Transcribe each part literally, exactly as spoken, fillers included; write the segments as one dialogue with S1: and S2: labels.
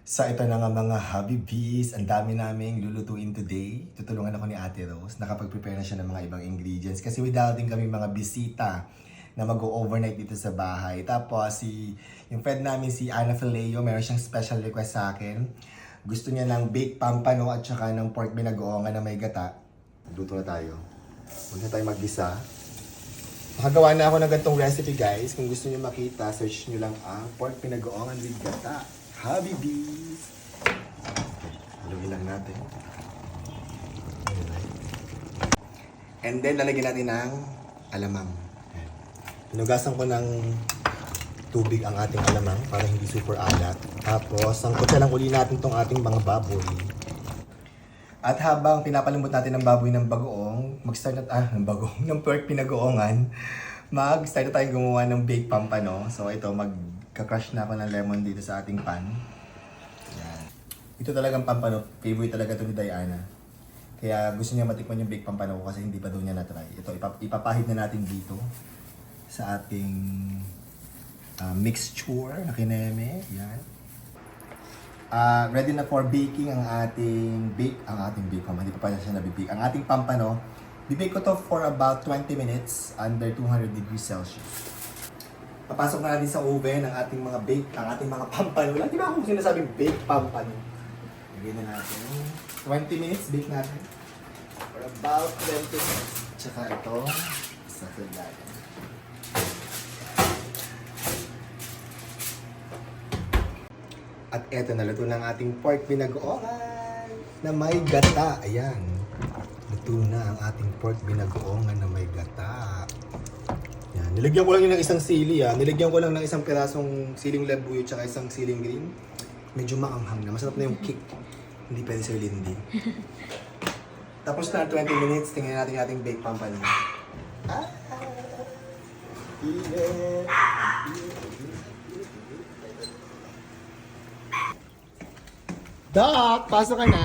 S1: So ito na nga mga Habibis, ang dami naming lulutuin today. Tutulungan ako ni Ate Rose, nakapag-prepare na siya ng mga ibang ingredients. Kasi without din kami mga bisita na mag-overnight dito sa bahay. Tapos si, yung friend namin si Ana Fileo, meron siyang special request sa akin. Gusto niya ng baked pampano at saka ng pork binagoongan na may gata. Luto na tayo. Huwag na tayo maggisa. Nakagawa na ako ng ganitong recipe guys. Kung gusto niyo makita, search niyo lang ang pork binagoongan with gata. Habibis! Haluin lang natin. And then, lalagyan natin ng alamang. Pinugasan ko ng tubig ang ating alamang para hindi super alat. Tapos, sangkot na lang uli natin tong ating mga baboy. At habang pinapalambot natin ng baboy ng bagoong, mag-start na, ah, ng bagoong, ng pork pinagoongan, mag-start na tayong gumawa ng baked pampano. So, ito, mag Ka-crush na ako ng lemon dito sa ating pan. Yan. Ito talagang pampano. Favorite talaga ito ni Diana. Kaya gusto niya matikman yung baked pampano ko kasi hindi pa daw niya na-try. Ito, ipap ipapahid na natin dito sa ating uh, mixture na kineme. Yan. Uh, ready na for baking ang ating bake. Ang ating bake pampano. Hindi pa pa siya nabibake. Ang ating pampano, bibake ko to for about twenty minutes under two hundred degrees Celsius. Papasok na natin sa oven ang ating mga bake, ang ating mga pampano. Lagi ba akong sinasabing bake pampano? Lagyan na natin. twenty minutes bake natin. For about twenty minutes. Tsaka ito, sa natin. At eto, naluto na ang ating pork binagoongan na may gata. Ayan. Luto na ang ating pork binagoongan na may gata. Yan. Nilagyan ko lang yun ng isang sili ah. Nilagyan ko lang ng isang pirasong siling labuyo tsaka isang siling green. Medyo maanghang na. Masarap na yung kick. Hindi pwede sa Lindy. Tapos na twenty minutes. Tingnan natin yung ating baked pampano. Ah! Init! Doc! Pasok ka na!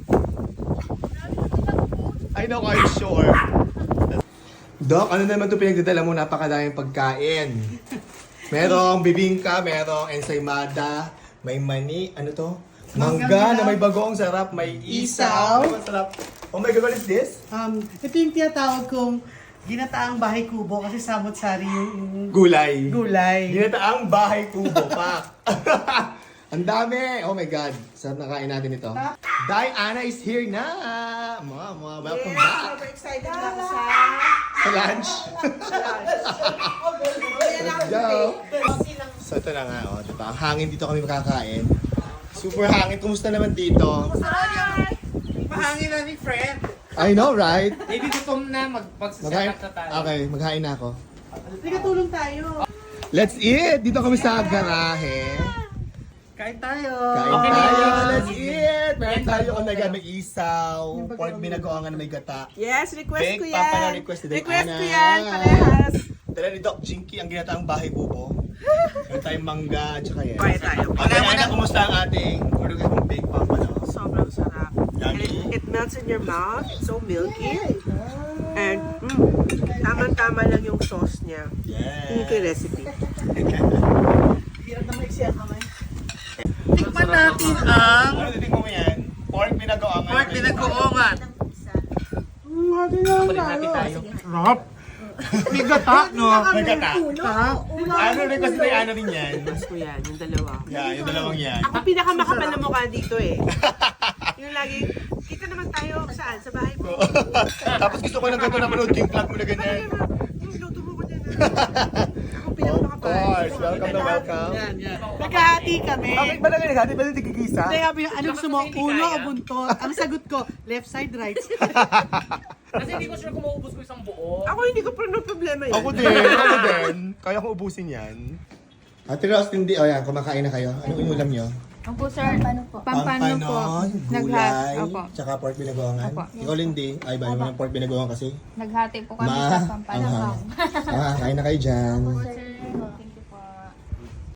S1: I know, I'm sure. Doc, ano naman ito pinagdadala mo? Napakadaming pagkain. Merong bibingka, merong ensaymada, may mani, ano to? Mangga na may bagoong sarap, may isaw. Isaw. Sarap. Oh my God, what is this?
S2: Um, ito yung tinatawag kong ginataang bahay kubo kasi samot-sari yung
S1: Gulay.
S2: gulay.
S1: Ginataang bahay kubo pa. Ang dami! Oh my God. Sarap na kain natin ito. Diana is here na! Mga, mga, welcome back!
S3: Super excited na ako sa
S1: Sa lunch.
S3: sa lunch.
S1: Let's go! So ito na nga, oh, diba? Ang hangin dito kami makakain. Super hangin. Kumusta naman dito?
S3: Mahangin na ni friend.
S1: I know, right?
S4: Maybe gutom na,
S1: Maghain.
S4: magpagsasakat na tayo.
S1: Okay, maghain na ako.
S2: Sige, tulong tayo.
S1: Let's eat! Dito kami sa garahe.
S2: Kain tayo.
S1: Kain
S4: Okay,
S1: tayo!
S4: okay.
S1: Let's eat! Meron tayo kung naga may isaw, pork binagoongan na may gata.
S3: Yes, request
S1: Baked
S3: ko yan.
S1: pampano request ni
S3: Request
S1: Diana.
S3: ko yan, parehas.
S1: Dala ni Doc Jinky ang ginataang bahay kubo. Meron tayong mangga at saka yan.
S3: Kaya tayo.
S1: Okay, Ana, kumusta ang ating order kong baked pampano?
S3: Sobrang sarap. And it,
S1: Yummy.
S3: it melts in your mouth. It's so milky. And mm, tamang-tama lang yung sauce niya. Hindi ko yung
S1: Yeah.
S3: recipe.
S2: Hirap na may siya kamay. Tikman natin ang
S1: Ano titigmo mo yan? Pork binagoongan.
S2: pork binagoongan.
S4: Hati tayo.
S2: Sarap. May gata, no?
S1: May gata.
S2: Sarap.
S1: Ano rin kasi may ano rin yan?
S3: Request ko yan, yung dalawa.
S1: Yeah, yung dalawang yan.
S3: Ako pinakamakapal na mukha dito eh. Yung lagi, kita naman tayo saan? Sa bahay mo.
S1: Tapos gusto ko ng ganito na manood yung vlog mo na ganyan.
S3: Yung luto mo ko dyan. Ako
S1: Of
S3: pinakamakapal.
S1: course. Welcome na welcome.
S2: Yan, yan. Nagkahati kami.
S1: Bakit ba na ganyan? Hati ba na tigigisa?
S2: Hindi, sabi, ano gusto mo? Ulo o buntot? Ang sagot ko, left side, right side.
S4: Kasi hindi ko sure kung maubos ko isang buo.
S3: Ako hindi ko pa problema yan.
S1: Ako din, ako din. Kaya ko ubusin yan. Ate Ross, hindi. O yan, kumakain na kayo. Anong inulam nyo?
S5: Opo, sir. Pampano po. Pampano po.
S1: gulay,
S5: Naghati. Opo.
S1: tsaka pork binagoongan.
S5: Opo.
S1: Ikaw, Lindy. Ay, ba naman ng pork binagoongan kasi?
S5: Naghati po kami
S1: Ma,
S5: sa pampano.
S1: anghang. Ah, kain na kayo dyan.
S5: Opo, sir.